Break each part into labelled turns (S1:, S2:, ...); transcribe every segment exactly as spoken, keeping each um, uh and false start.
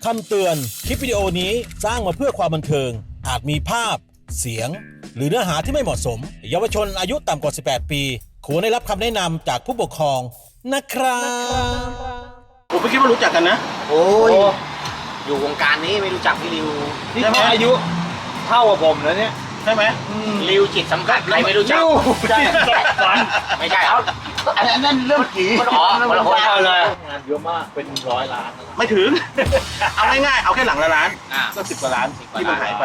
S1: คำเตือนคลิปวิดีโอนี้สร้างมาเพื่อความบันเทิงอาจมีภาพเสียงหรือเนื้อหาที่ไม่เหมาะสมเยาวชนอายุต่ำกว่าสิบแปดปีควรได้รับคำแนะนำจากผู้ปกครองนะครับผมไม่คิดว่ารู้จักกันนะ
S2: โอ้ยอยู่วงการนี้ไม่รู้จักพี่ริว
S1: นี่แค่อายุเท่ากับผมแล้วเนี่ยใช่ไหม
S2: ริวจิตสัมผัสใครไม่รู้จัก
S1: ใช่
S2: ไม่ใช่เอา
S3: อันนั้นเรื่องผี
S2: มันอ๋อมันคนเอาเลย
S1: งานเยอะมากเป็นร้อยล้านไม่ถึงเอาง่ายๆเอาแค่หลังละล้านก็สิบกว่าล้านที่มันหายไป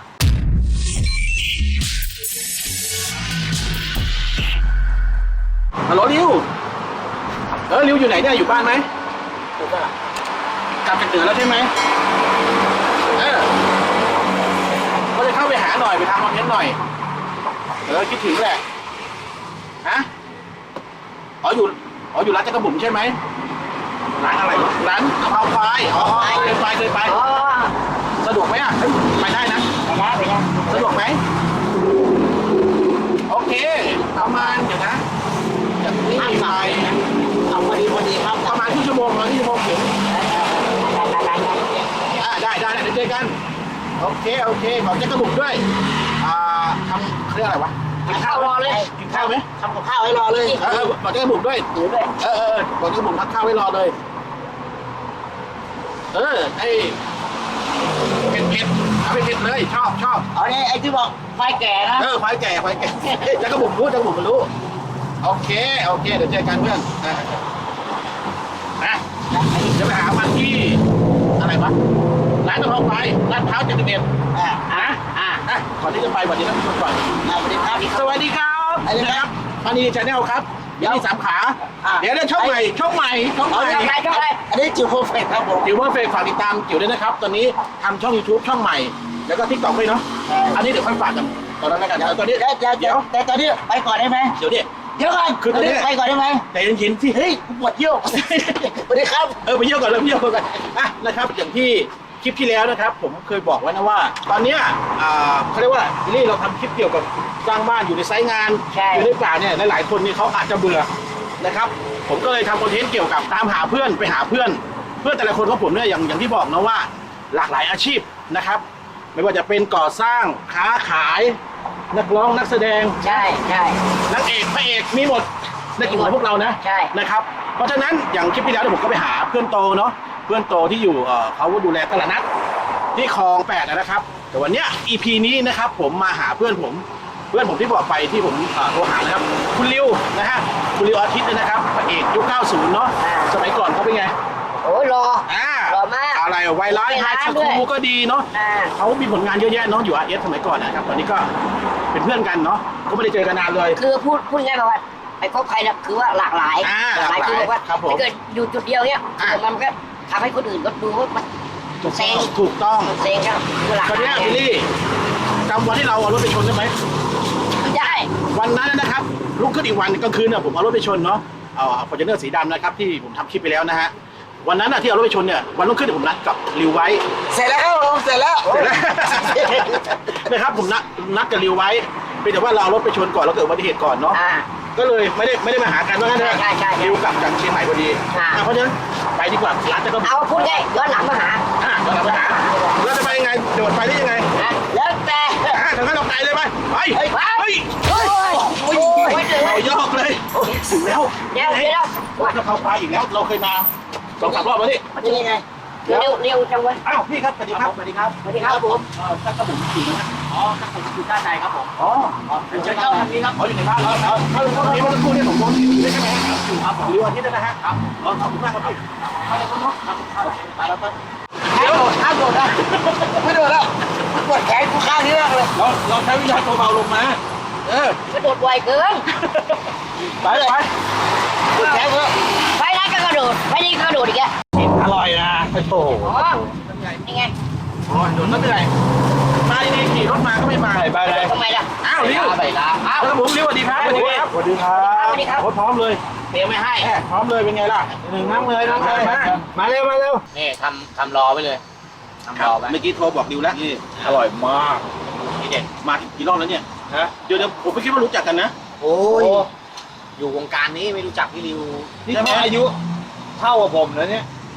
S1: ฮัลโหลริวเออริวอยู่ไหนเนี่ยอยู่บ้านไหมกลับจากเหนือแล้วใช่ไหมเออก็จะเข้าไปหาหน่อยไปทำคอนเทนต์หน่อยเออคิดถึงแหละฮะอ๋ออยู่อ๋ออยู่ร้านจักรบุ๋มใช่ไหมร้านอะไรร้านกะเพราควายอ๋อเคยไปเคยไปสะดวกไหมอ่ะไปได้นะ
S2: ไปได้ไปได้
S1: สะดวกไหมโอเคประมาณเดี๋ยวนะจากนี้ไป
S2: เอาพอดีพอดีครับ
S1: ประมาณครึ่งชั่วโมงครึ่งชั่วโมงถึงได้ได้ได้เดี๋ยวเจอกันโอเคโอเคขอจักรบุ๋มด้วยอ่าทำเรื่องอะไรวะ
S2: กินข้าวรอเลย
S1: กินข้าวไหม
S2: ทำกับข้าวให้รอเลย
S1: เออบอกจักรบุ๋มด้วย
S2: ถือด้วย
S1: เออเออบอกจักรบุ๋มทักข้าวให้รอเลยเออไอ้เผ็ดเผ็ดเอาไปเผ็ดเลยชอบชอบ
S2: อ๋อนี่ไอ้ที่บอกไฟแก่นะ
S1: เออไฟแก่ไฟแก่จักรบุ๋มรู้จักรบุ๋มมันรู้โอเคโอเคเดี๋ยวเจอกันเพื่อนนะนะจะไปหามันที่อะไรวะร้านกะเพราไฟร้านเท้าเจ็ดสิบเอ็ด
S2: อ่า
S1: อ่ะอ่ะอ่ะก่อนที่จะไปวันนี้ต้องชวนก่อน
S2: สวัสดีครับ
S1: สวัสดีครับนะครับมานีชาแนลครับเดี๋ยวมีสามขาเดี๋ยวเดี๋ยวช่องใหม่ช่องใหม่ช่องใหม่
S2: ช่องใหม่ช่องใหม่อันนี้จิ๋วเพอร์เฟกต์ครับผม
S1: จิ๋วเพอร์เฟกต์ฝากติดตามจิ๋วด้วยนะครับตอนนี้ทำช่อง YouTube ช่องใหม่แล้วก็ TikTok ด้วยเนาะอันนี้เดี๋ยวค่อยฝากกันตอนนั้นแล้วกันตอนนี้
S2: เดี๋ยวเดี๋ยวแต่ตอนนี้ไปก่อนได้ไหม
S1: เดี๋ยวดิ
S2: เดี๋ยวก่อนคือตอนนี้ไปก่อนได้ไหม
S1: แต่เย็นๆสิ
S2: เฮ้ยปวดเยี่ยวสวัสดีครับ
S1: เออไปเยี่ยวก่อนเลยไปเยี่ยวก่อนอ่ะนะครับอย่างที่คลิปที่แล้วนะครับผมเคยบอกไว้นะว่าตอนเนี้ยเขาเรียกว่านี่เราทำคลิปเกี่ยวกับสร้างบ้านอยู่ในไซต์งานอยู่ในป่าเนี่ยหลายๆคนนี่เขาอาจจะเบื่อนะครับผมก็เลยทำคอนเทนต์เกี่ยวกับตามหาเพื่อนไปหาเพื่อนเพื่อนแต่ละคนของผมเนี่ยอย่างอย่างที่บอกนะว่าหลากหลายอาชีพนะครับไม่ว่าจะเป็นก่อสร้างค้าขายนักร้องนักแสดง
S2: ใช่ใช่
S1: นักเอกพระเอกมีหมดในกลุ่มของพวกเรานะ
S2: ใช่
S1: นะครับเพราะฉะนั้นอย่างคลิปที่แล้วผมก็ไปหาเพื่อนโตเนาะเพื่อนโตที่อยู่เขาดูแลตลาดนัดที่คลองแปดนะครับแต่วันเนี้ย อี พี นี้นะครับผมมาหาเพื่อนผมเพื่อนผมที่บอกไปที่ผมโทรหานะครับคุณริวนะฮะคุณริวอาทิตย์นะครับพระเอกยุคเก้าสิบเนาะสมัยก่อนเขาเป็นไง
S2: โอ้ยรอ
S1: อ่าร
S2: อมาก
S1: อะไรไวรัสไฮสคูลก็ดีเนาะเขามีผลงานเยอะแยะเนาะอยู่ อาร์ เอส สมัยก่อนนะครับตอนนี้ก็เป็นเพื่อนกันเนาะก็ไม่ได้เจอกันนานเลย
S2: คือพูดพูดง่ายๆว่าไอ้พวกใครนะคือว่าหลากหลาย
S1: หลากหลาย
S2: คือว่าถ้าเกิดอยู่จุดเดียวเนี้ยมันก็ทำให้คนอื่นก็ดูว่ามันเซ็ง
S1: ถูกต้อง
S2: เซ็งครับ
S1: ตอนนี้พี่ลี่จำวันที่เราเอารถไปชนได้ไหม
S2: ได้
S1: วันนั้นนะครับลุกขึ้นอีกวันกลางคืนเนี่ยผมเอารถไปชนเนาะเอาฟอร์จูเนอร์สีดำนะครับที่ผมทำคลิปไปแล้วนะฮะวันนั้นที่เอารถไปชนเนี่ยวันรุ่งขึ้นผมนัดกับริวไว้
S3: เสร็จแล้วครับผมเสร็จแล้ว
S1: เสร็จแล้วนะครับผมนัดนัดกับริวไว้เป็นแต่ว่าเราเอารถไปชนก่อนเราเกิดอุบัติเหตุก่อนเนาะก็เลยไม่ได้ไม่ได้มาหากันว่างั้นนะริวกลับจากเชียงใหม่พอดีเพราะฉะนั้นไปดีกว่าร้านจะก็
S2: เอาพูดง่ายย้อนหลังมาหา
S1: อ่าย้อนหลังมาหาเราจะไปยังไงโดดไปได้ยังไง
S2: แล้วแต่
S1: อ่าถึงขั้นเราไปเลยไหมไปเฮ้ยเฮ้ยเรายอกเลยถึงแล้ว
S2: เดี๋ยวเดี๋ยว
S1: ว่าจะเข้าไปอีกแล้วเราเคยมาสองสามรอบแล้วนี่
S2: มันยังไงเร็วเร็วจังวะ
S1: อ้าวพี่ครับสวัสดีครับสวัสดีครับ
S2: สวัสดีครับผม
S1: เออถ้ากระผมอยู่นะ
S2: อ๋อกระผมอยู่ด้านในครับผม
S1: อ๋อเชิญเข้าทางนี้ครับอ๋ออยู่ในบ้านแล้วครับถ้าเราเข้าทางนี้มันจะพูดได้สองคนได้ใช่ไหมครับอยู่ครับหรือวันที่ได้นะฮะครับขอบคุณมากครับพี่เข้าเลยครับเนาะครับไปแล้วครับ
S2: เดี๋ยวห้ามโดดนะไม่โดดแล้วปวดแขนกูข้างนี้มากเลย
S1: เราเราใช้วิชาตัวเบาลงมาเออก
S2: ระโดดไวเกิน
S1: ไปไป
S2: ปวดแขนเยอะไปนั้นก็กระโดดไปนี่ก็กระโดดอีกแก
S1: อร่อยนะโอ้โห
S2: นี่ไง
S1: โอ้ยโดนไม่เป็นไรมาดีๆขี่รถมาก็ไม่มาไปเลย
S2: ทำไมล่ะ
S1: อ้าวริว
S2: ไปลาอ้าว
S1: แล้วผมริวสวัสดีครับสวัสดีครับสวัสดีครับพร้อมเลย
S2: เดี๋ยวไม่ให้
S1: พร้อมเลยเป็นไงล่ะหนึ่งนั่งเลยนั่งเลยมาเร็วมาเร็ว
S2: นี่ทำทำรอไปเลยทำรอไป
S1: เมื่อกี้โทรบอกริวแล้วนี่อร่อยมากนี่เด็ดมากี่รอบแล้วเนี่ยฮะเดี๋ยวเดี๋ยวผมไม่คิดว่ารู้จักกันนะ
S2: โอ้ยอยู่วงการนี้ไม่รู้จักพี่ริว
S3: นี่แค่อายุเท่ากับผมแล้วเนี่ย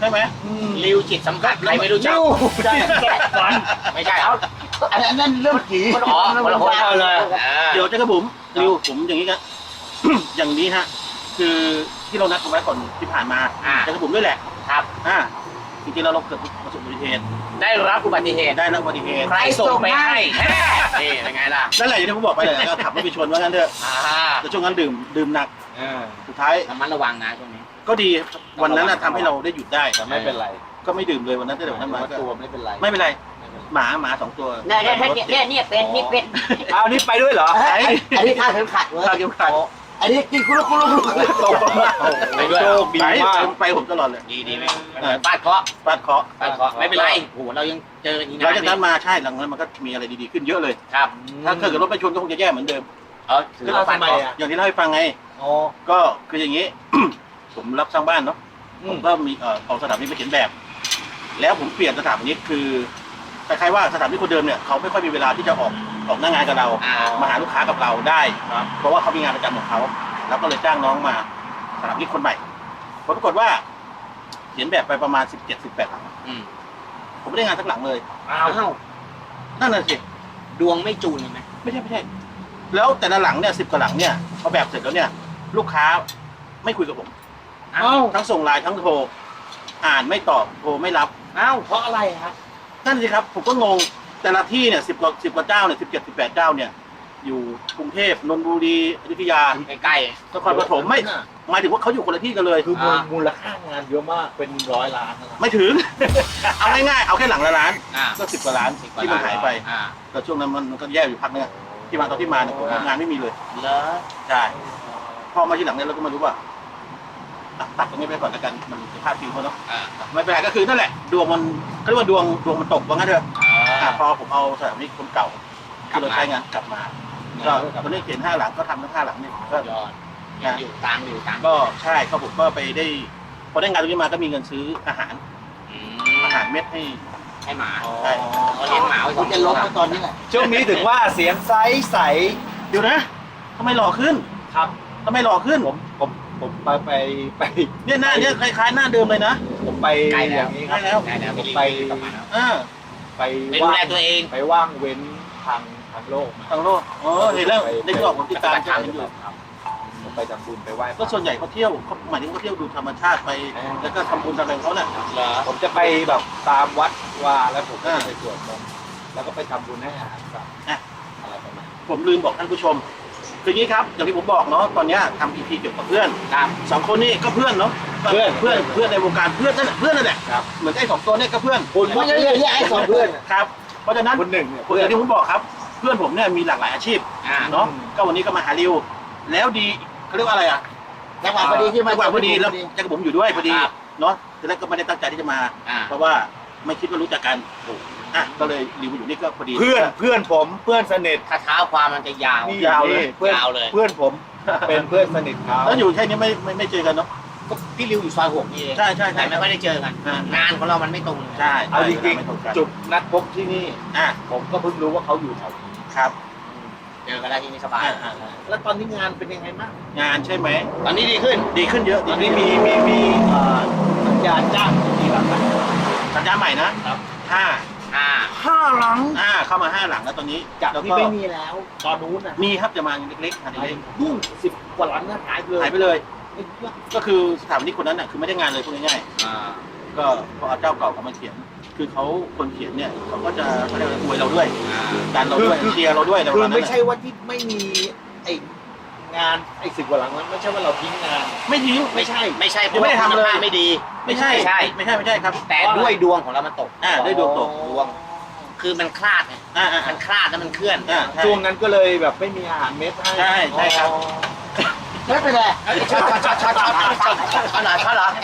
S1: ใช่ไหม
S2: ริวจิตสัมผัสใครไม่รู้จัก
S1: ใช่
S2: ไม่ใช่เอา
S3: อันนั้นนั่นเรื่องผี
S2: คนอ๋อคนละคนเลย
S1: เดี๋ยวเจ้ากระบุ๋มริวผมอย่างนี้กัน อย่างนี้ฮะคือที่เรานัดกันไว้ก่อนที่ผ่านมาเจ้ากระบุ๋มด้วยแหละ
S2: ครับ
S1: อ่าจริงๆแล้วเราเกิดประสบอุบัติเหตุ
S2: ได้รับอุบัติเหตุ
S1: ได้รับอุบัติเหตุ
S2: ใครส่งไปให้นี่เป็นไงล่ะ
S1: นั่นแหละอย่างที่ผมบอกไปเลยก็ขับรถไปชนว่างั้นเถอะ
S2: อ่า
S1: แต่ช่วงนั้นดื่มดื่มหนักสุดท้าย
S2: ระมัดระวังนะช่วงนี้
S1: ก็ดีวันนั้นน่ะทำให้เราได้หยุดได้
S3: แต่ไม่เป็นไร
S1: ก็ไม่ดื่มเลยวันนั้นตั้งแต่วันนั้นมาก็
S3: ตัวไม่เป็นไร
S1: ไม่เป็นไรหมาหมาสองตัว
S2: เนี่ยเนี่ยเนี่ยเนี่ยเป็นนี่เป็น
S3: อ้าวนี่ไปด้วยเหรอ
S1: ไอ้
S2: อันนี้ท่าเข็มขัดเว้ย
S1: ข้าวเกี่ยวขัด
S3: อันนี้กินคุรุคุรุคุรุตกมา
S2: ไปด้วย
S3: โชคดี
S1: ไป
S3: มาก
S1: ไปผมตลอดเลย
S2: ดีดีไหมฟาดเคาะ
S1: ฟาดเคราะห์
S2: ฟาดเคาะไม่เป็นไรโอ้โหเรายังเจออีก
S1: หลัง
S2: นะ
S1: จากนั้นมาใช่หลังนั้นมันก็มีอะไรดีๆขึ้นเยอะเลย
S2: ครับ
S1: ถ้าเกิดรถไปชนก็คงจะแย่เหมือนเดิม
S2: เออถือว่าฟาดเคาะ
S1: อย่างที่เล่าให้ฟังไง
S3: อ๋อ
S1: ก็คืออย่างนี้ ผมรับสร้างบ้านเนาะผมก็มีเอ่อเอาสถาปนิกไปเขียนแบบ แล้วผมเปลี่ยนสถาปนิกคือคล้ายๆว่าสถาปนิกคนเดิมเนี่ยเขาไม่ค่อยมีเวลาที่จะออกออกหน้างานกับเรา
S2: อ่า
S1: มาหาลูกค้ากับเราได้ครับเพราะว่าเขามีงานประจำของเขาแล้วก็เลยจ้างน้องมาสถาปนิกคนใหม่ผลปรากฏว่า เขียนแบบไปประมาณสิบเจ็ดสิบแปดหลัง
S2: อืม
S1: ผมไม่ได้งานสักหลังเลย
S2: อ้าว
S1: นั่นน่ะสิ
S2: ดวงไม่จูนเลยไหม
S1: ไม่ใช่ไม่ใช่ แล้วแต่ละหลังเนี่ยสิบกว่าหลังเนี่ยพอแบบเสร็จแล้วเนี่ย ลูกค้าไม่คุยกับผม
S2: อ้าว
S1: ทั้งส่งไลน์ทั้งโทรอ่านไม่ตอบโทรไม่รับ
S2: อ้าวเพราะอะไรครับ
S1: นั่นสิครับผมก็งงแต่ละที่เนี่ยสิบกว่าสิบกว่าเจ้าเนี่ยสิบเจ็ดสิบแปดเจ้าเนี่ย อยู่กรุงเทพนนทบุรีอยุธยา
S2: ใกล้
S1: นครปฐมไม่หมายถึงว่าเขาอยู่คนละที่กันเลย
S3: คือมูลค่างานเยอะมากเป็นร้อยล้านนะ
S1: ไม่ถึง เอาง่ายๆเอาแค่หลังละล้าน
S2: ๆอ่า
S1: ก็สิบกว่าล้านที่มันหายไป
S2: อ่า
S1: แต่ช่วงนั้นมันก็แย่อยู่พักนึงอะที่มาตอนที่มาเนี่ยผม
S2: อ่าง
S1: งานไม่มีเลย
S2: เหรอ
S1: ใช่พอมาที่หลังเนี่ยเราก็มารู้ว่าอ่ะตัดตรงนี้ไปก่อนแล้วกันมันจะพลาดพิงเขาเนาะ
S2: อ่า
S1: ไม่เป็นไรก็คือนั่นแหละดวงมันเขาเรียกว่าดวงดวงมันตกว่างั้นเถอะ
S2: อ่า
S1: อ่ะพอผมเอาสถาปนิกคนเก่าที่เราใช้งานกลับมาก็ตอนนี้เขียนห้าหลังก็ทำทั้งห้าหลังเนี่ยก็
S2: ยอดยังอยู่ตังค์อยู่ตังค์
S1: ก็ใช่ก็ผมก็ไปได้พอได้งานตรงนี้มาก็มีเงินซื้ออาหาร
S2: อื
S1: อาม หารเม็ดให้
S2: ให้หมา
S1: ใช่
S2: เขาเลี้ยงหมาไว้ส
S3: คุ
S2: อ
S3: ณ
S2: ง
S3: จะ
S2: ตั
S3: ล
S2: ว
S3: บมาตอนนี้แหละ
S4: ช่วงนี้ถึงว่าเสียงใสใส
S1: เดี๋ยวนะทำไมหล่อขึ้น
S4: ครับ
S1: ทำไมหล่อขึ้น
S4: ผมผมผมไปไปไป
S1: เนี่ยหน้าเนี่ยคล้ายๆหน้าเดิมเลยนะ
S4: ผมไปอย่างนี้ค
S1: ใกล้
S4: รับ
S1: แล้ว
S2: ได้แล้ว
S4: ผมไป
S2: กลับมาแล้ว
S1: อ่า
S4: ไป
S2: ไปดูแลตัวเอง
S4: ไปว่างเว้นทางทางโลกมา
S1: ทางโลกอ๋อเห็นแล้วในกรอบผมติดตาม
S2: ปฏิบัติธรรม
S1: เห็นอยู่
S4: ครับผมไปทำบุญไปไหว้พ
S1: ก็
S4: ระ
S1: ส่วนใหญ่เขาเที่ยวเขาหมายถึงเขาเที่ยวดูธรรมชาติไป แล้วก็ทำบุญทำอะไรของเขาเนี่ย
S2: เหรอ
S4: ผมจะไปแบบตามวัดว่าแล้วผมก็
S1: อ่า
S4: จะไปสวดมนต์แล้วก็ไปทำบุญให้อาหารสัตว์
S1: อ่ะ
S4: อะไรประมาณนี้
S1: ผมลืมบอกท่านผู้ชมคืออย่างนี้ครับอย่างที่ผมบอกเนาะตอนเนี้ยทำอีพีเกี่ยวกับเพื่อน
S2: ครับ
S1: สองคนนี้ก็เพื่อนเนาะเพื่อนเพื่อนเพื่อนในวงการเพื่อนนั่นแหละเพื่อนนั่นแหละ
S4: ครับ
S1: เหมือนไอ้สองตัวเนี่ยก็เพื่อน
S4: คุณ
S3: ไม่ใช่เรื่องที่ไอ้สองเพื่อน
S1: ครับเพราะฉะนั้น
S4: คุณหนึ่งเนี่ย
S1: อย่างที่ผมบอกครับ เพื่อนผมเนี่ยมีหลากหลายอาชีพ
S2: อ่า
S1: เนาะก็วันนี้ก็มาหาริวแล้วดีเขาเรียกว่าอะไรอ่ะ
S3: จังหวะพอดีที่มา
S1: จังหวะพอดีแล้วจักรผมอยู่ด้วยพอดี
S2: ครับ
S1: เนาะทีแรกก็ไม่ได้ตั้งใจที่จะมา
S2: อ่า
S1: เพราะว่าไม่คิดว่ารู้จักกันอ่ะก็เลยริวมาอยู่นี่ก็พอดี
S4: เพื่อนเพื่อนผมเพื่อนสนิท
S2: ถ้าเท้าความมันจะยาว
S4: นี่
S1: ยาวเลย
S4: เพื่อน
S2: ยาวเลย
S4: เพื่อนผมเป็นเพื่อนสนิทเขา
S1: แล้วอยู่แค่นี้ไม่ไม่ไม่เจอกันเนาะ
S2: ก็พี่ริวอยู่ซอยหกนี่เอง
S1: ใช่ใช่ใช่
S2: แต่ไม่ค่อยได้เจอกัน
S1: อ่าง
S2: งานของเรามันไม่ตรง
S1: ใช่
S4: เอาจริง
S1: ไม่ตกัน
S4: ๆจุดนัดพบที่นี่
S1: อ่ะ
S4: ผมก็เพิ่งรู้ว่าเขาอยู่แถวนี้
S1: ครับ
S2: เจอกันแล้วที่นี่สบาย
S1: อ่ะอ่ะอ่ะ
S4: แล้วตอนนี้งานเป็นยังไงบ้าง
S1: งานใช่ไหม
S2: ตอนนี้ดีขึ้น
S1: ดีขึ้นเยอะ
S4: ต
S1: ดี
S4: อน
S1: ขึ้
S4: นี้
S1: น
S4: มีมีมีเอ่อสัญญาณจ้างกี่หลังนะ
S1: สัญญาใหม่นะครับ ห้า
S2: อ่า
S4: ห้าหลัง
S1: อ่าเข้ามาห้าหลังแล้วตอนนี้
S4: จาก
S1: แล้ว
S4: ที่
S1: ก็
S4: ไม่มีแล้ว ตอนนู้นน่ะ
S1: มีครับจะมาเล็กๆอัน
S4: หาย
S1: เล็ก
S4: ยุ่งสิบกว่าหลังนะหายไปเลย
S1: หายไปเลย ก็คือสถาปนิกคนนั้นน่ะคือไม่ได้งานเลยพูดง่าย
S2: อ่า
S1: ๆก็พอเอาเจ้าเก่าเขามาเขียน คือเขาคนเขียนเนี่ยเขาก็จะเขาเรียกว่าอวยเราด้วย
S2: อ่า
S1: ดันเราด้วยเชียร์เราด้วยอะไรป
S4: คื
S1: ระ
S4: อ
S1: มาณนั้
S4: ไม่
S1: น
S4: ใช่ว่าที่ไม่มีไอ้งานไอ้สิบกว่าหลังนั้นไม่ใช่ว่าเราทิ้งงาน
S1: ไม่ทิ้ง
S2: ไม่ใช่ ไม่ใช่เพ
S1: ยัง
S2: ราะ
S1: ไม่
S2: ว่า
S1: ได้ทำเลย
S2: คุณภาพไม่ดี
S1: ไม่ใช่
S2: ไม่ใช่
S1: ไม่ใช่ไม่ใช่ครับ
S2: แต่ด้วยดวงของเรามันตก
S1: อ่าด้วยดวงตก
S2: ดวง คือมันคลาดไง
S1: อ่าอ่า
S2: มันคลาดแล้วมันเคลื่อน
S1: อ่าใช่
S4: ช่วงนั้นก็เลยแบบไม่มีอาหารเม็ดให้
S1: ใช่ใช่ครับ
S4: อ๋อ
S3: ไม่เป็นไร
S2: ช็อตช็อตช็อตช็อตช็อตช็อตช็อตเหรอช็อตเหรอ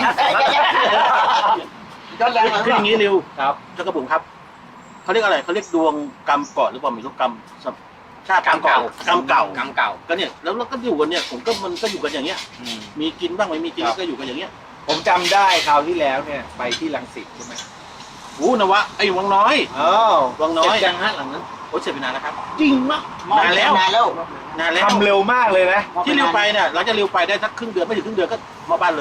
S3: ย้อนแรงหน่อย
S1: คืออย่างนี้ริว
S4: ครับ
S1: เจ้ากระบุ๋มครับเขาเรียกอะไรเขาเรียกดวงกรรมก่อนหรือเปล่าไม่รู้กรรมชาติกรรมเก่ากรรมเก่าก
S2: รรมเก่า
S1: ก็เนี่ยแล้วเราก็อยู่กันเนี่ยผมก็มันก็อยู่กันอย่างเงี้ย
S2: อืม
S1: มีกินบ้างไม่มีกินก็อยู่กันอย่างเงี้ย
S4: ผมจำได้คราวที่แล้วเนี่ยไปที่รังสิตใช่ไหม
S1: โอ้นวะไอ้วังน้อย
S4: อ้าว
S1: วังน้อย
S4: เจ็บจังฮะหลังนั้น
S1: โอ้เสร็จไปนานแล้วครับ
S4: จริงมาก
S1: นานแล้ว
S3: นานแล้ว
S1: นานแล้ว
S4: ทำเร็วมากเลยนะ
S1: ที่ริวไปเนี่ยหลังจากริวไปได้สักครึ่งเดือนไม่ถึงครึ่งเดือนก็มาบ้านเลย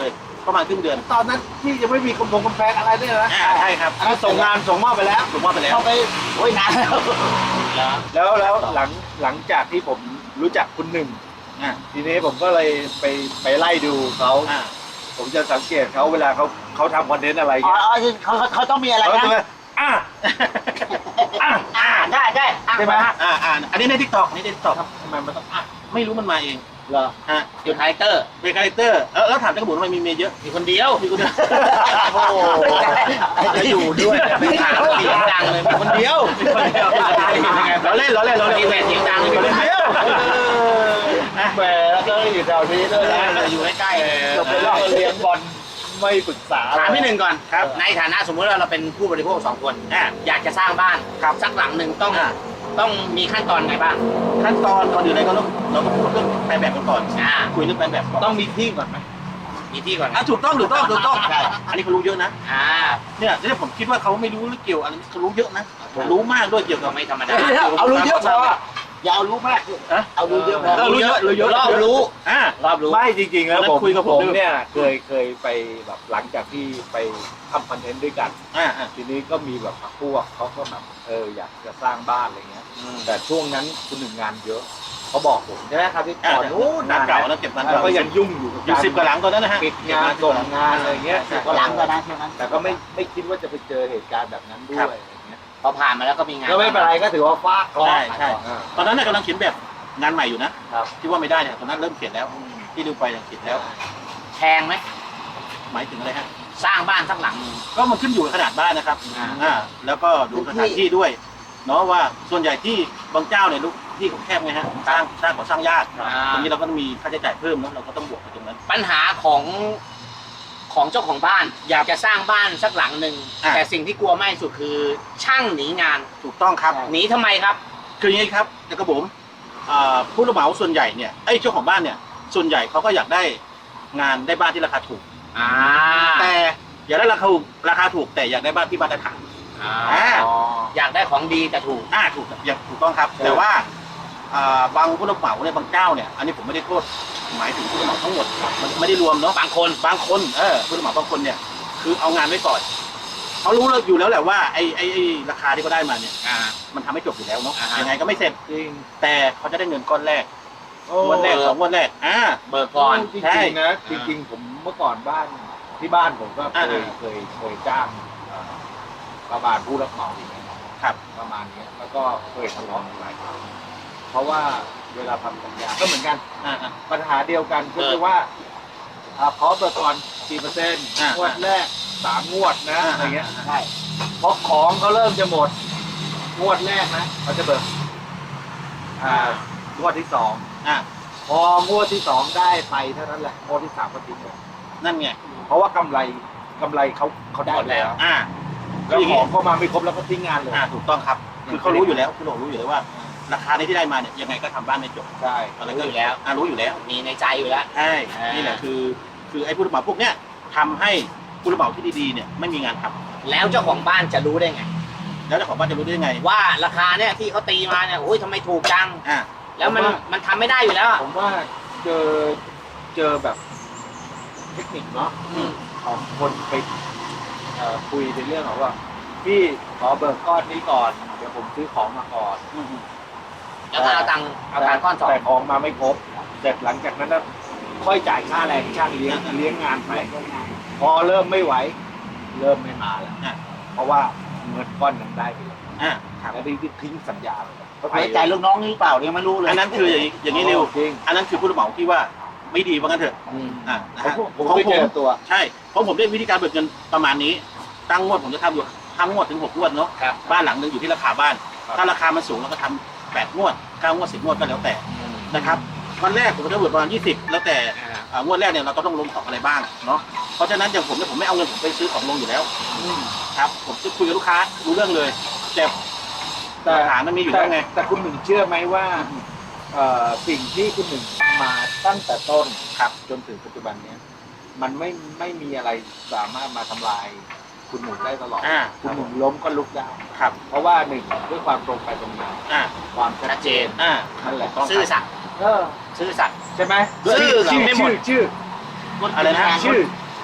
S1: ประมาณครึ่งเดือน
S4: ตอนนั้นที่ยังไม่มีกำแพงกำแพงอะไรเนี่ยนะ
S1: อ่าใช่ครับ
S4: อันนั้นส่งงานส่งมอบไปแล้ว
S1: ผมว่าไปแล้ว
S3: เข้าไปโอ้ยนานแล้ว
S4: แล้วแล้วหลังหลังจากที่ผมรู้จักคุณหนึ่ง
S1: อ่า
S4: ทีนี้ผมก็เลยไปไปไล่ดูเขา
S1: อ่า
S4: ผมจะสังเกตเขาเวลาเขาเขาทำคอนเทนต์อะไร
S3: อ๋อ
S4: เงี้ย
S3: อ๋อเขาเขาเขาต้องมีอะไร
S4: เขา
S3: นะ
S4: จะมาอ่ะอ่ะ
S2: อ่าได้ได้อ่ะ
S4: ใช่ไหม
S2: อ่ะ
S1: อ่าอ่าอันนี้ในทิกตอกนี่ในทิกตอก
S4: ทำไมมันต้องอ่ะ
S1: ไม่รู้มันมาเอง
S4: เหรอ
S1: ฮะ
S2: อยู่คาแรคเตอร์
S1: เป็นคาแรคเตอร์เออแล้วถามเจ้ากระบุนทำไมมีเมียเยอะ
S2: มีคนเดียว
S1: มีคนเดียว
S4: โอ้โหจะอยู่ด้วย
S2: ไม่ถามเสียงดังเลยมีคนเดียว
S1: มีคนเดียวเราเล่นเราเล่นเราเล่น
S2: มีแหวนเสียงดังเลยมีคนเดียว
S4: แหมแล้วก็อยู่แถวนี้ด้วยนะ
S2: อยู่ใกล้ๆ
S4: จะไปเล่าเลี้ยงบอลไม่ปรึกษา
S2: ถามพี่หนึ่งก่อนครับ ในฐานะสมมติว่าเราเป็นผู้บริโภคสองคนอ่ะอยากจะสร้างบ้านครับสักหลังหนึ่งต้อง
S1: อ่า
S2: ต้องมีขั้นตอนไงบ้าง
S1: ขั้นตอนก่อนอื่นเลยก็ต้องเราก็พูดเรื่องแปลแบบกันก่อน
S2: อ่า
S1: คุยเรื่องแปลแบบก่อน
S4: ต้องมีที่ก่อนไหม
S2: มีที่ก่อน
S1: อ่ะถูกต้องถูกต้องถูกต้อง
S2: ใช่
S1: อันนี้เขารู้เยอะนะ
S2: อ่า
S1: เนี่ยที่ผมคิดว่าเขาไม่รู้หรือเกี่ยวอะไรเขารู้เยอะนะรู้มากด้วยเกี่ยว
S2: ก็
S1: กับ
S2: ไม่ธรรมดา
S3: เอารู้เยอะพออย่าเอารู้มาก
S1: ฮะ
S3: เอารู้เยอะพอ
S1: เออรู้เยอะรู้เยอะ
S2: รอบรู้
S1: อ่าร
S2: อบรู้
S4: ไม่จริงๆแล้ว
S1: แล้ว
S4: ผม
S1: คุยกับผม
S4: ผม
S1: ด้วย
S4: เนี่ยเคยเคยไปแบบหลังจากที่ไปทำคอนเทนต์ด้วยกัน
S1: อ่าอ่า
S4: ทีนี้ก็มีแบบพวกเขาก็แบบเอออยากจะสร้างบ้านอะไรเงี้ย แต่ช่วงนั้นคุณหนึ่งงานเยอะเขาบอกผมใช่ไหมครับที่ก่อนนู้น
S1: งาน
S4: นาน
S1: เก่า
S4: แล้ว
S1: นะเก็บงาน
S4: แล้ว
S1: เก่า
S4: ก็ยังยุ่งอยู่กับ
S1: อยู่
S4: การ
S1: สิบกว่าหลังตอนนั้นนะฮะ
S4: ปิดงานส่งงานอะไรเงี้ย
S3: สิบกว่าหลังก็นะช่วงนั้น
S4: แต่ก็ไม่ไม่คิดว่าจะไปเจอเหตุการณ์แบบนั้นด้วยอะไรเงี้ย
S2: พอผ่านมาแล้วก็มีงาน
S4: ก็ไม่เป็นไรก็ถือว่าฟาดเคราะห์
S1: ใช่ใช่
S4: อ่า
S1: ตอนนั้นน่ะกำลังเขียนแบบงานใหม่อยู่นะครับ ที่ว่าไม่ได้เนี่ยตอนนั้นเริ่มเขียนแล้ว ที่ดูไปยังเขียนแล้ว
S2: แพงไหม
S1: หมายถึงอะไรฮะ
S2: สร้างบ้านสักหลังหนึ่ง
S1: ก็มันขึ้นอยู่กับขนาดบ้านนะครับ
S2: อ่า
S1: อ่าแล้วก็ดูสถานที่ด้วยเนาะว่าส่วนใหญ่ที่บางเจ้าเนี่ยลูกที่เขาแคบไงฮะสร้างสร้างก่อสร้างยากตรงนี้เราก็ต้องมีค่าใช้จ่ายเพิ่มเนาะเราก็ต้องบวกไปตรงนั้น
S2: ปัญหาของของเจ้าของบ้าน อยากจะสร้างบ้านสักหลังหนึ่ง
S1: อ่ะ
S2: แต่สิ่งที่กลัวมากที่สุดคือช่างหนีงาน
S1: ถูกต้องครับ
S2: หนีทำไมครับ
S1: คืออย่างนี้ครับเด็กกระผมอ่าผู้รับเหมาส่วนใหญ่เนี่ยไอ้ยเจ้าของบ้านเนี่ยส่วนใหญ่เขาก็อยากได้งานได้บ้านที่ราคาถูก
S2: อ่า
S1: แต่อยากได้ราคาถูกราคาถูกแต่อยากได้บ้านที่มาตรฐาน
S2: อ่า
S1: อ่า
S2: อยากได้ของดีแต่ถูก
S1: อ่าถูกอย่างถูกต้องครับ แต่ว่าอ่าบางผู้รับเหมาเนี่ยบางเจ้าเนี่ยอันนี้ผมไม่ได้โทษหมายถึงผู้รับเหมาทั้งหมดมันไม่ได้รวมเนาะ
S2: บางคน
S1: บางคนเออผู้รับเหมาบางคนเนี่ยคือเอางานไว้ก่อนเขารู้แล้วอยู่แล้วแหละว่าไอ้ไอ้ไอ้ราคาที่เขาได้มาเนี่ย
S2: อ่า
S1: มันทำให้จบอยู่แล้วเนาะ
S2: อ่าฮะ
S1: ยังไงก็ไม่เสร็จ
S4: จริง
S1: แต่เขาจะได้เงินก้อนแรก
S4: โอ้
S1: งวันแรกสองงวันแรกอ่า
S2: เบิกก่อน
S4: จริง
S1: ใช่
S4: ๆนะจริงๆผมเมื่อก่อนบ้านที่บ้านผมก็เค
S1: อ่าย
S4: เคยเคยจ้างเอ่อประมาณผู้รับเหมาอย่างเงี้ย
S1: ครับ
S4: ประมาณเนี้ยแล้วก็เคยทะเลาะกันหลายครั้งเพราะว่าเวลาทำสัญญาก็เหมือนกัน
S1: อ่าอ่า
S4: ปัญหาเดียวกันก็คือว่าอ่าขอเบิกก่อนกี่เปอร์เซ็นต์
S1: อ่าง
S4: วดแรกสามงวดนะ
S1: อ่า
S4: อะไรเงี้ย
S3: ใช่
S4: เพราะของเขาเริ่มจะหมด งวดแรกนะเขาจะเบิกอ่างวดที่สอง
S1: อ่า
S4: พองวดที่สองได้ไปเท่านั้นแหละงวดที่สามก็ทิ้งเลย
S1: นั่นไง
S4: เพราะว่ากำไรกำไรเขาเขาได้
S2: หมดแล้ว
S1: อ่า
S4: แล้วของเข้ามาไม่ครบแล้วก็ทิ้งงานเลย
S1: อ่าถูกต้องครับ คือเขารู้อยู่แล้วคุณหลงรู้อยู่แล้วว่า ราคาในที่ได้มาเนี่ยยังไงก็ทำบ้านไม่จบ
S4: ใช่
S1: อะไร
S2: รู้
S1: ก็
S2: อยู่แล้ว
S1: อ่ารู้อยู่แล้ว
S2: มีในใจอยู่แล้ว
S1: ใช่
S2: อ่านี่
S1: นี่แหละคือ คือไอ้ผู้รับเหมาพวกเนี้ยทำให้ผู้รับเหมาที่ดีๆเนี่ยไม่มีงานทำ
S2: แล้วเจ้าของบ้านจะรู้ได้ไง
S1: แล้วเจ้าของบ้านจะรู้ได้ยังไง
S2: ว่าราคาเนี่ยที่เขาตีมาเนี่ยโอ้ยทำไมถูกจัง
S1: อ่า
S2: แล้วมันมันทำไม่ได้อยู่แล้วอะ
S4: ผมว่าเจอเจอแบบเทคนิคเนาะ
S2: อืม
S4: ของคนไปเอ่อคุยในเรื่องของว่าพี่ขอเบิกก้อนนี้ก่อนเดี๋ยวผมซื้อของมาก่อน
S1: อืม
S2: แล้วก็เอาตังค์เอาตังค์ก้อนสอง
S4: แต่ของมาไม่ครบเสร็จหลังจากนั้นน่ะค่อยจ่ายค่าแรงช่างเลี้ยงเลี้ยงงานไปพอเริ่มไม่ไหว เริ่มไม่มาแล้ว
S1: อ่า
S4: เพราะว่าเงินก้อนนั้นได้ไปแล้ว
S1: อ่า
S4: แล้วที่ทิ้งสัญญาไปแล้ว
S3: ไว้ใจลูกน้องนี่เปล่ายังไม่รู้เลย
S1: อันนั้นคืออย่างนี้อย่างนี้เร็ว
S4: จริง
S1: อันนั้นคือผู้รับเหมาที่ว่าไม่ดีว่างั้นเถอะ
S4: อืม
S1: อ่านะ
S4: ผม
S1: ฮะ
S4: ผม
S1: ของ
S4: เคย
S1: ผ
S4: เจ
S1: ม
S4: อตัว
S1: ใช่เพราะผมได้วิธีการเบิกเงินประมาณนี้ ตั้งงวดผมจะทำอยู่ห้างวดถึงหกงวดเนาะ
S2: ครับ
S1: บ้านหลังหนึงอยู่ที่ราคาบ้าน
S4: ครับ
S1: ถ้าราคามันสูงเราก็ทำแปดงวดเก้างวดสิบงวดก็แล้วแต่นะครับวันแรกผมจะเบิกประมาณยี่สิบแล้วแต่
S2: อ่า
S1: อ่างวดแรกเนี่ยเราก็ต้องลงของอะไรบ้างเนาะเพราะฉะนั้นอย่างผมเนี่ยผมไม่เอาเงินผมไปซื้อของลงอยู่แล้วครับผมจะคุยกับลูกค้ารู้เรื่องเลยแต่
S4: แต่
S1: หลักฐานมันมีอยู่แล้วไง
S4: แต่คุณหนึ่งเชื่อไหมว่าเอ่อสิ่งที่คุณหนึ่งมาตั้งแต่ต้นครับจนถึงปัจจุบันเนี้ยมันไม่ไม่มีอะไรสามารถมาทำลายคุณหนึ่งได้ตลอด
S1: อ่า
S4: คุณหนึ่งล้มก็ลุกได้
S1: ครับ
S4: เพราะว่าหนึ่งด้วยความตรงไปตรงมา
S1: อ่า
S4: ความชั
S2: ชั
S4: ด
S2: ด
S4: เจ
S2: เจ
S4: น
S2: น
S1: อ่า
S4: นั่นแหละ
S1: ต้อง
S2: ซื่อสัตย์
S4: เออ
S2: ซื่อสัตย์
S4: ใช่ไหม
S2: ซื่อ
S4: ชื่อ
S2: ไม่หมด
S4: ชื่อชื่อ
S1: อะไรนะ
S4: ชื่อ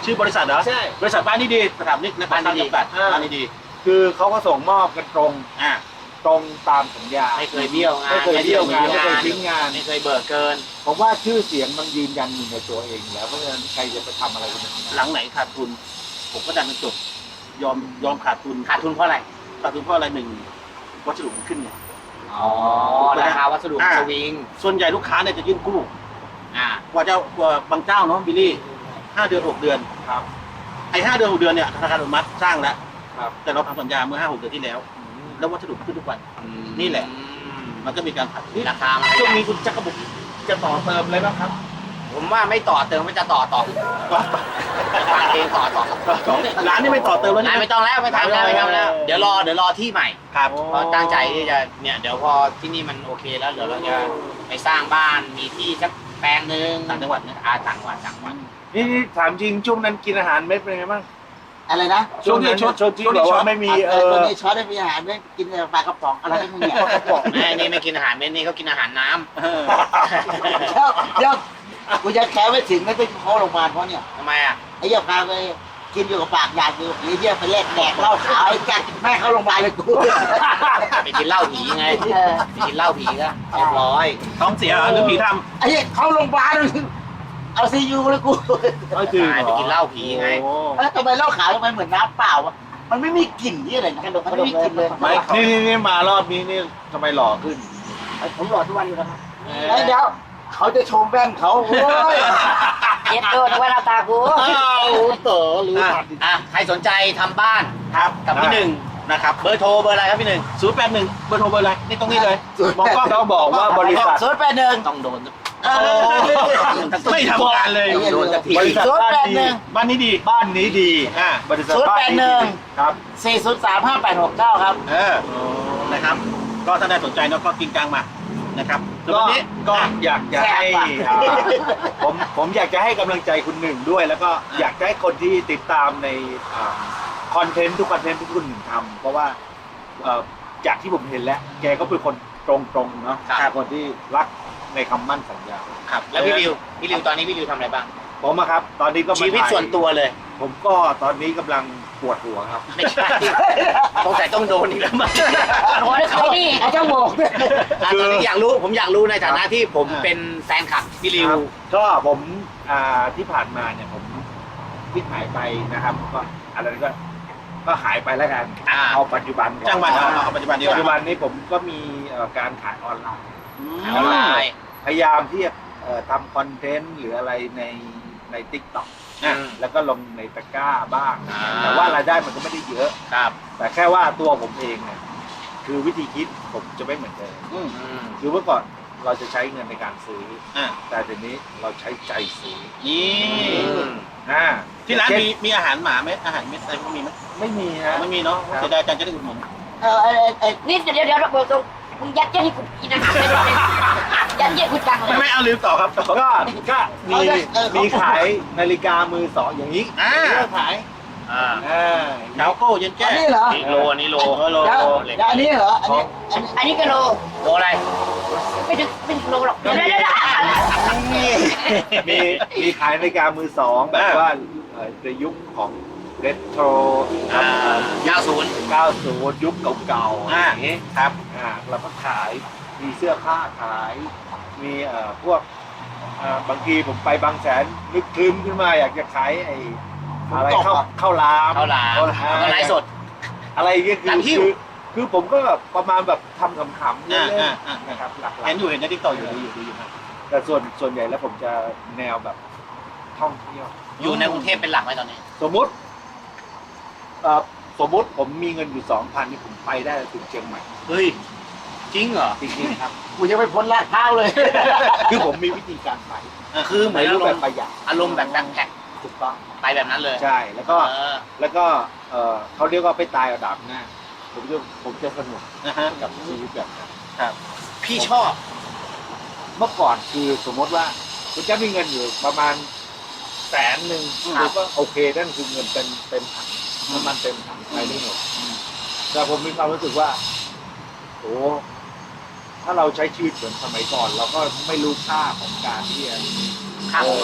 S1: ชื่อบริษัทเหรอ
S4: ใช่
S1: บริษัทบ้านนี้ดีสถาปนิกและการจำกัด
S4: อ่า
S1: บ้านนี้ดี
S4: คือเขาก็ส่งมอบกันตรง
S1: อ่า
S4: ตรงตามสัญญา
S2: ไม่เคยเบี้ยวงาน
S4: ไม่เคยเบี้ยวงานไม่เคยทิ้งงาน
S2: ไม่เคยเบิกเกิน
S4: ผมว่าชื่อเสียงมันยืนยันอยู่ในตัวเองอยู่แล้วเพราะฉะนั้นใครจะไปทำอะไรกันอย่างนั้น
S1: หลังไหนขาดทุน ผมก็ดันมันจบยอมยอมขาดทุน
S2: ขาดทุนเพราะอะไร
S1: ขาดทุนเพราะอะไรหนึ่งวัสดุมันขึ้นไง
S2: อ๋อ ราคาวัสดุ
S1: อ่า
S2: สวิง
S1: ส่วนใหญ่ลูกค้าเนี่ยจะยื่นกู้
S2: อ่า
S1: กว่าจะกว่าบางเจ้าเนาะบิลลี่ห้าเดือนหกเดือน
S4: ครับ
S1: ไอ้ห้าเดือนหกเดือนเนี่ยธนาคารอนุมัติสร้างแล้ว
S4: ครับ
S1: แต่เราทำสัญญาเมื่อห้าหกเดือนที่แล้ว แล้ววัสดุขึ้นทุกวัน นี่แหละ มันก็มีการผัด
S2: ราคามัน
S1: ช่วงนี้คุณจักรบุกจะต่อเติมอะไรบ้างครับ
S2: ผมว่าไม่ต่อเติมไม่จะต่อต่อฟังเองต่อต่อ
S1: ร้านนี่ไม่ต่อเติมแล้ว
S2: นาย
S1: ใช่ไหม
S2: ไม่ต้องแล้วไม่ทำแล้วไม่ทำแล้ว เดี๋ยวรอเดี๋ยวรอที่ใหม่
S1: ครับ
S2: เพราะตั้งใจที่จะเนี่ยเดี๋ยวพอที่นี่มันโอเคแล้วเดี๋ยวเราจะไปสร้างบ้านมีที่สักแปลงหนึ่ง
S1: ต่างจังหวัดเนี่ย
S2: อาต่างจังหวัดต่างจังหวัด
S4: นี่นี่ถามจริงช่วงนั้นกินอาหารเม็ดเป็นไงบ้าง
S3: อะไรนะ
S4: ช่วงนี้ช่วงช่วงที่แบบว่าไม่มีเอ
S3: ตัว
S4: อ
S3: นี้ช้อนได้มีอาหารได้กินแต่ปลากระป๋องอะไรไม่มีเนี่ย
S2: แม่นี่ไม่กินอาหารเม็ดนี่เขากินอาหารน้ำ
S1: เออ
S3: เดี๋ยวเดี๋ยวกูจะแค่ไม่ถึงไม่ไปเข้าโรงพยาบาลเพราะเนี่ย
S2: ทำไมอ่ะ
S3: ไอ้เหี้ยพาไปกินอยู่กับปากอยากอยู่ไอ้เหี้ยไปแลกแดกเหล้าขาวไอ้แกแม่เข้าโรงพยาบาลเลยกู
S2: ไปกินเหล้าผีไงไปกินเหล้าผีก็เรียบร้อย
S1: ท้องเสียหรือผีท
S3: ไอ้เหี้ยเข้าโรงพยาบาลเอาซียูเลยกู
S4: เอาจริง
S2: ไปกินเหล้าผีไง
S4: โอ้
S3: แล้วทำไมเหล้าขาวทำไมเหมือนน้ำเปล่าวะมันไม่มีกลิ่นที่อะไรนะมันไม่มีกลิ่นเลย
S1: ไม่เขา
S4: นี่นี่นี่มารอบนี้นี่ทำไมหล่อขึ้น
S3: ผมหลอดทุกวันอยู่นะครับไอ้เดี๋ยวเขาจะชมแว่นเขาโอ้ย
S2: เย็ดโดนว่าหน้าตากู
S1: อ้าวเต๋อหรือ
S2: อ่ะ
S1: ผัด
S2: อ่ะใครสนใจทำบ้าน
S1: ครับ
S2: กับพี่หนึ่ง
S1: นะครับ
S2: เบอร์โทรเบอร์อะไรครับพี่หนึ่ง
S1: ศูนย์แปดหนึ่งเบอร์โทรเบอร์อะไรนี่ตรงนี้เลยมองกล้อง
S4: ต้องบอกว่าบริษัท
S3: ศูนย์แปดหนึ่ง
S2: ต้องโดน
S3: เออ
S1: ไม่ทำงานเลย
S2: โดนสักที
S4: บริษัท
S3: ศูนย์
S4: บ้าน
S3: แปด
S4: ดี
S3: หนึ่ง
S1: บ้านนี้ดี
S4: บ้านนี้ดี
S1: อ่า
S4: บริษัท
S3: ศูนย์
S4: บ้าน
S3: แปดห
S4: นี้
S3: นึ่ง
S4: ดีครับ
S3: สี่ศูนย์สามห้าแปดหกเก้าครับ
S1: เออนะครับ ก็ถ้าได้สนใจเนาะก็กินกลางมานะครับแล้ว
S4: ก็
S1: วันนี้
S4: ก็อยากจะให้
S3: แซ่บว่ะ
S4: อ่าผมผมอยากจะให้กำลังใจคุณหนึ่งด้วย แล้วก็อยากจะให้คนที่ติดตามในคอนเทนต์ทุกคอนเทนต์ที่คุณหนึ่งทำเพราะว่าเอ่อจากที่ผมเห็นแล้ว แกก็เป็นคนตรงๆเนาะ
S2: ครับ
S4: คนที่รักในคำมั่นสัญญา
S2: ครับแล้วพี่ริวพี่ริวตอนนี้พี่ริวทำอะไรบ้าง
S4: ผมอะครับ ตอนนี้ก็มา
S2: ชีวิต
S4: ถ่าย
S2: ส่วนตัวเลย
S4: ผมก็ตอนนี้กำลังปวดหัวครับ
S2: ไม่ใช่สงสัยต้องโดนอีกแล้วมั้ง
S3: โอ้ยเขานี่เขาจะบอกด้วย
S2: อ่ะตอนนี้อยากรู้ผมอยากรู้ในฐานะที่ผมเป็นแฟนคลับพี่ริว
S4: ครับก็ผมอ่าที่ผ่านมาเนี่ยผมที่หายไปนะครับก็อะไรก็ก็หายไปแล้วกัน
S2: อ่า
S4: เอาปัจจุบันก่อน
S1: จ้างวันเอาเอาปัจจุบันดีก
S4: ปัจจุบั
S1: ว่าน
S4: นี้ผมก็มีเอ่อการขายออนไลน์
S1: อืม
S2: ออนไลน์
S4: พยายามที่จะเอ่อทำคอนเทนต์หรืออะไรในในทิกต็อก
S2: อืม
S4: แล้วก็ลงในตะกร้าบ้าง
S2: อ่า
S4: แต่ว่ารายได้มันก็ไม่ได้เยอะ
S2: ครับ
S4: แต่แค่ว่าตัวผมเองเนี่ยคือวิธีคิดผมจะไม่เหมือนเดิม
S1: อืม
S2: อืม
S4: คือเมื่อก่อนเราจะใช้เงินในการซื้อ
S1: อ่า
S4: แต่เดี๋ยวนี้เราใช้ใจซื้อ
S1: นี่
S4: อ่า
S1: ที่ร้าน
S4: เช่
S1: มีมีอาหารหมาไหมอาหารเม็ดอะไรพวกมีไหม
S4: ไม่มีฮะ
S1: ไม่มีเนาะ
S4: ครับ
S1: เสียดายจังจะได้อุดหนุน
S3: เออไอ้ไอ้
S2: นี่เดี๋ยวเดี๋ยวเราบอกตรงมึงยัดเยียดให้กูกินอาหารไม่ได้เลยยัดเยียดกูจังเล
S1: ไม่
S2: ย
S1: ไม่เอาลืมต่อครับต่อ
S4: ก็ก็มีมีขายนาฬิกามือสองอย่างนี้
S1: อ่า
S4: เลือกขาย
S2: อ่า
S4: อ่า
S1: เช้าโก้เย็นแก้
S3: อันนี้เหรอ
S2: นี่โลอันนี้โล
S1: โล
S3: เดี๋ยว
S1: โล
S3: เดี๋ยวอันนี้เหรออันนี้อันนี้
S2: อันนี้ก็โลโลอะไรไม่ถึงไม่ถึงโลหรอกเดี๋ยวเดี๋ยวเดี๋ยว
S4: มีมีขายนาฬิกามือสองแบบว่าเอ่อในยุคของเรโทร
S2: อ่าเก้าศูนย์
S4: เก้าสิบยุคเก่าๆ
S1: อ่า
S4: อย่างนี้ครับอ่าเราก็ขายมีเสื้อผ้าขาย มีเอ่อพวกอ่าบางทีผมไปบางแสนนึกคลึ้มขึ้นมาอยากจะขายไอ้อะไรเข้าเข้าร้าน
S2: ข้าวหลาม
S4: อ่
S2: ก็ไลฟ์สด
S4: อะไรอย่างเงี้ยคือ
S2: ร้านหิ้ว
S4: คือคือผมก็แบบประมาณแบบทำขำๆเล่
S1: อ่าน อ่าอ่า
S4: ๆนะครับหลัก
S1: เห็นอยู่เห็นในทิกตอกอยู่ดูอยู่ดูอยู่ครับ
S4: ๆแต่ส่วนส่วนใหญ่แล้วผมจะแนวแบบท่องเที่ยว
S2: อยู่ในกรุงเทพเป็นหลักไหมตอนนี้
S4: สมมุติเอ่อสมมุติผมมีเงินอยู่สองพันนี่ผมไปได้ถึงเชียงใหม่
S2: เฮ้ยจริงเหรอ
S4: จริงๆครับ
S3: กูจะไปพ้นลาดพร้าวเลย
S4: คือผมมีวิธีการไป
S2: คือเหมื
S4: ใน
S2: อน
S4: รู
S2: อา
S4: ป
S2: ร
S4: แบ
S2: ม
S4: บ
S2: ณ์
S4: ประหยัด
S2: อารมณ์แบบแบ็คแพ็ค
S4: ถูกต้อง
S2: ไปแบบนั้นเลย
S4: ใช่แล้วก็
S2: เออ
S4: แล้วก็เอ่อเขาเรียกว่าไปตายเอาดาบหน้าผมจะผมจะสนุก
S1: นะฮะ
S4: กับชีวิตแบบนั้น
S2: พี่ชอบ
S4: เมื่อก่อนคือสมมติว่าคุณจะมีเงินอยู่ประมาณแสนหนึ่ง
S2: ครับ
S4: ผมก็โอเคนั่นคือเงินเต็มเต็มถังน้ำมันเต็มถังไปได้หมดแต่ผมมีความรู้สึกว่าโอ้ถ้าเราใช้ชีวิตเหมือนสมัยก่อน เราก็ไม่รู้ค่าของการที่จะ
S2: ค่าของเงิน
S4: ย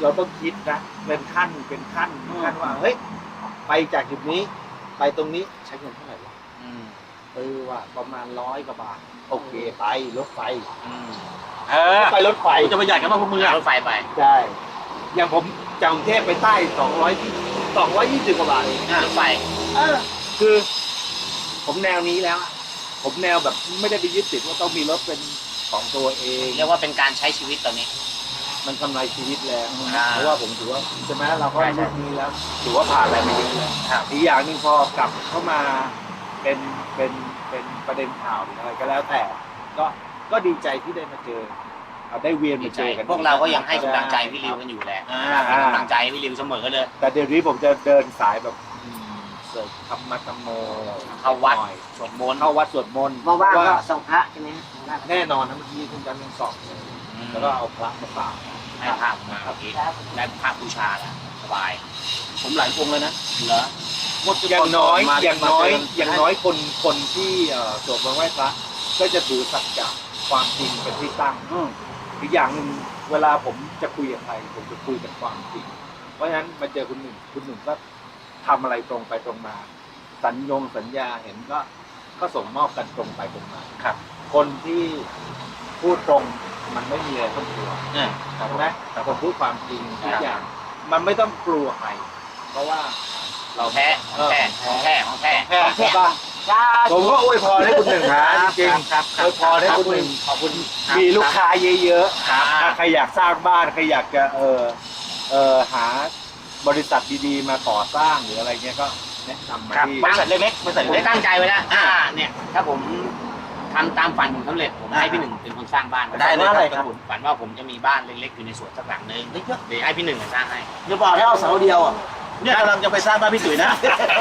S4: เราต้องคิดนะเป็นขั้นเป็นขั้นเป็นขั้นว่าเฮ้ยไปจากจุดนี้ไปตรงนี้ใช้เงินเท่าไหร่วะ
S2: อืม
S4: เออว่าประมาณร้อยกว่าบาทโอเคไปรถไฟ
S2: อืม
S1: เออ
S4: ไปรถไฟ
S1: กูจะประหยัดกันมากพวกมึง
S2: เอา
S1: อ่ะ
S2: รถไฟไป
S4: ใช่อย่างผมจากกรุงเทพไปใต้สองร้อยสองร้อยยี่สิบกว่าบาทเอง
S2: รถไฟ
S4: เออคือผมแนวนี้แล้วอะผมแนวแบบไม่ได้ไปยึดติดว่าต้องมีรถเป็นของตัวเอง
S2: เรียกว่าเป็นการใช้ชีวิตตอนนี้
S4: มันกำไรชีวิตแล้ว
S2: อ่า
S4: เพราะว่าผมถือว่าใช่ไหมเราก็
S2: ใช่ใช่
S4: รุ่นนี้แล้วถือว่าผ่านอะไรมาเยอะแล้ว
S2: ครับ
S4: อีกอย่างหนึ่งพอกลับเข้ามาเป็นเป็นเป็นประเด็นข่าวหรืออะไรก็แล้วแต่ ก็ก็ดีใจที่ได้มาเจอเอาได้เวียน
S2: ดี
S4: มา
S2: ใจ
S4: เจอกัน
S2: พวกเราก็ยังให้กำลังใจพี่ริวกันอยู่แหละ
S1: อ่า
S2: ให้กำลังใจพี่ริวเสมอเลย
S4: แต่เดี๋ยวนี้ผมจะเดินสายแบบอืมเสิร์ฟธรรมะธรรมโม
S2: เข้าวัด
S4: หน่อย
S2: สวดมนต์
S4: เข้าวัดสวดมนต์
S3: ว่างๆ
S4: ว่า
S3: ก็ส่งพระใช่ไหมฮะ
S4: แน่นอนนะเมื่อกี้คุณจันทร์ยังสอบเลยแล้วก็เอาพระมาฝาก
S2: ให้ภาพมาเมื่อกี้ได้ภาพบูชาแล้วสบาย
S1: ผมหลายองค์แล้วนะ
S2: เหรอ
S1: หมด
S4: อย่างน้อย
S1: มา
S4: อย่างน้อย
S1: มเจ
S4: อย่างน้อยคนคนที่เอ่อสวดมนต์ไหว้พระก็จะถือสัจจะความจริงเป็นที่ตั้ง
S1: อืม
S4: อีกอย่างหนึ่งเวลาผมจะคุยกับใครผมจะคุยกันความจริง เพราะฉะนั้นมาเจอคุณหนึ่งคุณหนึ่งก็ทำอะไรตรงไปตรงมา สัญญงสัญญาเห็นก็ก็ส่งมอบกันตรงไปตรงมา
S1: ครับ
S4: คนที่พูดตรงมันไม่มีอะไรต้องกลัว
S1: อ่า
S4: ใช่ไหมแต่คนพูดความจริงทุกอย่าง มันไม่ต้องกลัวใครเพราะว่า
S2: เราแท้ของแท้ของแท้ของแท้
S4: แค่ใช่ป่ะ
S3: จ้า
S4: ผมก็อวยพรให้คุณหนึ่งนะจริง
S1: ครับ
S4: ๆอวยพรให้คุณหนึ่ง
S2: ขอบคุณ
S4: มีลูกค้าเยอะ
S2: ครับ
S4: ๆถ้าใครอยากสร้างบ้านใครอยากจะเออเออหาบริษัทดีๆมาก่อสร้างหรืออะไรเงี้ยก็แนะนำมา
S1: ครับ
S4: ที่
S1: บริษัทเล็กๆบริษัท
S2: ผม
S1: เล็ก
S2: ตั้งใจไว้แล้วอ่าเนี่ย ถ้าผมทำตามฝันผมสำเร็จผมให้พี่หนึ่งเป็นคนสร้างบ้าน
S1: ได้เลยครับ
S2: ฝันว่าผมจะมีบ้านเล็กๆอยู่ในสวนสักหลังนึงเดี๋ยวให้พี่หนึ่งสร้างให้
S3: อย่าบอกให้เอาเสาเดียวอ่ะ
S1: เนี่ยกำลังจะไปสร้างบ้านพี่ตุ๋ยนะ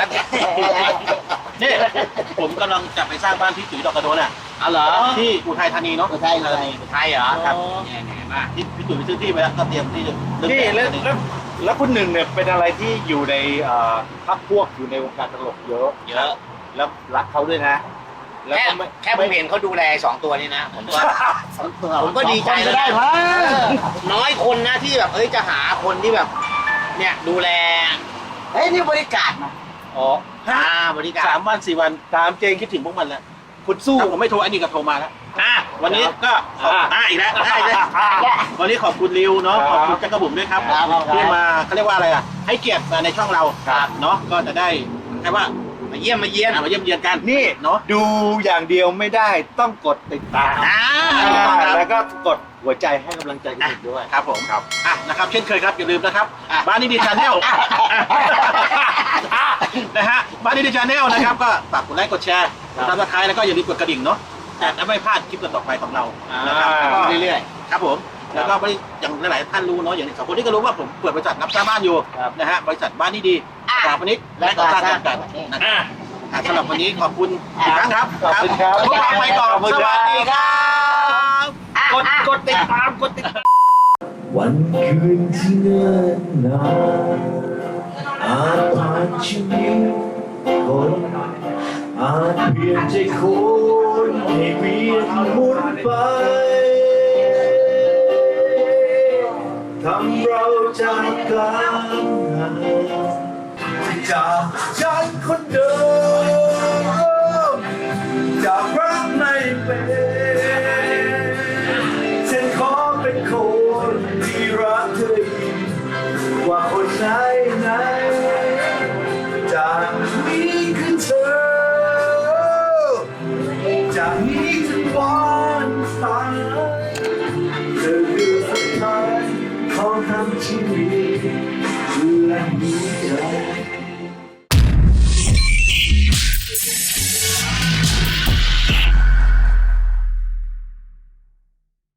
S1: นี่ผมกำลังจะไปสร้างบ้านพี่ตุ๋ยดอกกระโดนอ่ะ
S2: เอาเหรอ
S1: ที่อุทัยธานีเนาะ
S3: อุทัยเลย
S2: ไทยเหรอ
S1: ครับ
S2: เนี่ยเนี่ยมา
S1: ที่พี่ตุ๋ยไปซื้อที่ไปแล้วก็เตรียมที่จะเริ่ม
S4: นี่
S1: แต่ง
S4: แล้ว
S1: นี่
S4: แล้วแล้วคุณหนึ่งเนี่ยเป็นอะไรที่อยู่ในเอ่อพักพวกอยู่ในวงการตลกเยอะ
S2: เยอะ
S4: แล้วรักเขาด้วยนะ แล้ว
S2: แค่
S4: ก็ไม่
S2: แค่ผมเห็นเขาดูแลสองตัวนี้นะผมก็ ผมก็ดีใจ
S3: จะ
S2: แล้ว
S3: ได้
S2: นะ
S3: มั้ง
S2: น้อยคนนะที่แบบเอ้ยจะหาคนที่แบบ เนี่ยดูแล
S3: เฮ้ยนี่บริการนะ
S4: อ๋อ
S2: อ่าบริการ
S1: สามวันสี่วัน
S4: ตามเจง
S1: คิดถึงพวกมันแล้ว
S4: คุณสู้
S1: ถ้าผมไม่โทรอันนี้ก็โทรมาแล้ว
S2: อ่ะ
S1: วันนี้ก็ขอบ
S4: อ่า
S1: อ่าอีกแล้วได้เลยวันนี้ขอบคุณริวเนาะ
S4: ครับ
S1: ขอบคุณจักรบุ๋มด้วยครับ
S3: ครับครับ
S1: ที่มาเขาเรียกว่าอะไรอ่ะให้เกียรติมาในช่องเรา
S2: ครับ
S1: เนาะก็จะได้แค่ว่า
S2: มาเยี่ยมมาเยี่ยม
S1: อ่ะมาเยี่ยมเยียนกัน
S4: นี่
S1: เนาะ
S4: ดูอย่างเดียวไม่ได้ต้องกดติดตาม
S2: อ่า
S4: อ่าแล้วก็กดหัวใจให้กำลังใจคุณหนึ่งด้วย
S1: ครับผมครับอ่ะนะครับเช่นเคยครับอย่าลืมนะครับบ้านนี้ดีชาแนลนะฮะบ้านนี้ดีชาแนลนะครับก็ฝากกดไลค์กดแชร์กดติดตามแล้วก็อย่าลืมกดกระดิ่งเนาะจะไม่พลาดคลิปต่อไปของเรานะครับ
S4: อ่า
S1: แล้วก็
S2: เรื่อย
S1: ครับผมแล้วก็บริอย่างหลายๆท่านรู้เนาะอย่างสองคนนี้ก็รู้ว่าผมเปิดบริษัทรับสร้างบ้านอยู่
S4: ครับ
S1: นะฮะบริษัทบ้านนี้ดีสถาปนิกและก่อสร้างจำกัดนะครับอ่ะสำหรับวันนี้ขอบคุณอีกครั้งครับ
S4: ขอบคุณครับ
S1: พวกเราไปก่อน
S4: ขอบคุณ
S1: ส
S4: ครับ
S1: วัสดีครับ
S4: กดกดติดตามกดติด
S5: วันคืนที่เนิ่นนานอาจผ่านชีวิตคนอาจเปลี่ยนใจคนให้เวียนหมุนไปทำเราจากกันห่างจากฉันคนเดิมจากรักไม่เป็นฉันขอเป็นคนที่รักเธอยิ่งกว่าคนไหนไหนจากนี้คือเธอจากนี้ถึงวันตายเธอคือสุดท้ายของทั้งชีวิต